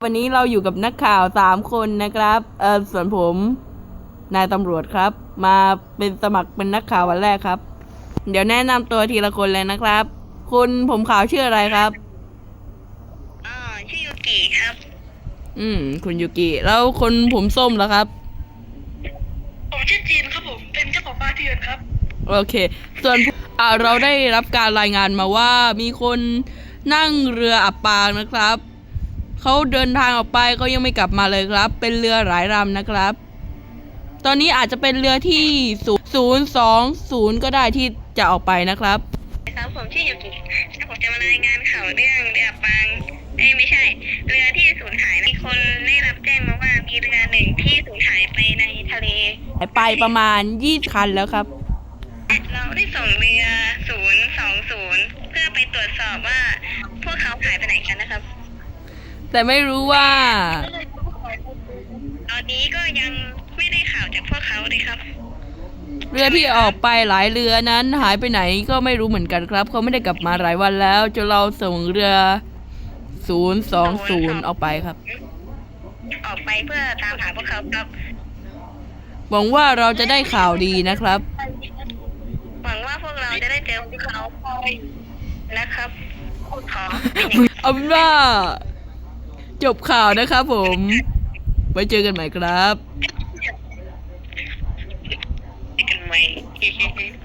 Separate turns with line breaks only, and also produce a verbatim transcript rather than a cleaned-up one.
วันนี้เราอยู่กับนักข่าวสามคนนะครับเออส่วนผมนายตำรวจครับมาเป็นสมัครเป็นนักข่าววันแรกครับเดี๋ยวแนะนำตัวทีละคนเลยนะครับคุณผมขาวชื่ออะไรครับ
อ่าชื่อยูกิครับ
อืมคุณยูกิแล้วคนผมส้มแล้วครับ
ผมชื่อจีนครับผมเป็นเจ้าของบ้านที่ยืนครับ
โอเคส่วนอ่าเราได้รับการรายงานมาว่ามีคนนั่งเรืออับปางนะครับเขาเดินทางออกไปเขายังไม่กลับมาเลยครับเป็นเรือหลายลำนะครับตอนนี้อาจจะเป็นเรือที่ศูนย์สองศูนย์ก็ได้ที่จะออกไปนะครับ
ครับผมชื่อยูกิแล้วผมจะมารายงานข่าวเรื่องเรือปางเอ้ยไม่ใช่ เรือที่สูญหายมีคนได้รับแจ้งมาว่ามีเรือหนึ่งที่สูญหายไปในทะเล
หายไปประมาณยี่สิบคันแล้วครับ
เราได้ส่งเรือศูนย์สองศูนย์เพื่อไปตรวจสอบว่าพวกเขาหายไปไหนกันนะครับ
แต่ไม่รู้ว่า
ตอนนี้ก็ยังไม่ได้ข่าวจากพวกเขาเลยครับ
เรือที่ออกไปหลายเรือนั้นหายไปไหนก็ไม่รู้เหมือนกันครับเขาไม่ได้กลับมาหลายวันแล้วจนเราส่งเรือศูนย์สองศูนย์ออกไปครับ
ออกไปเพื่อตามหาพวกเขาครับ
หวังว่าเราจะได้ข่าวดีนะครับ
หวังว่าพวกเราจะได้เจอพวกเขานะครับขอ
เอาเป็นว่าจบข่าวนะครับผมไว้เจอกันใหม่ครับ
เจอกันใหม่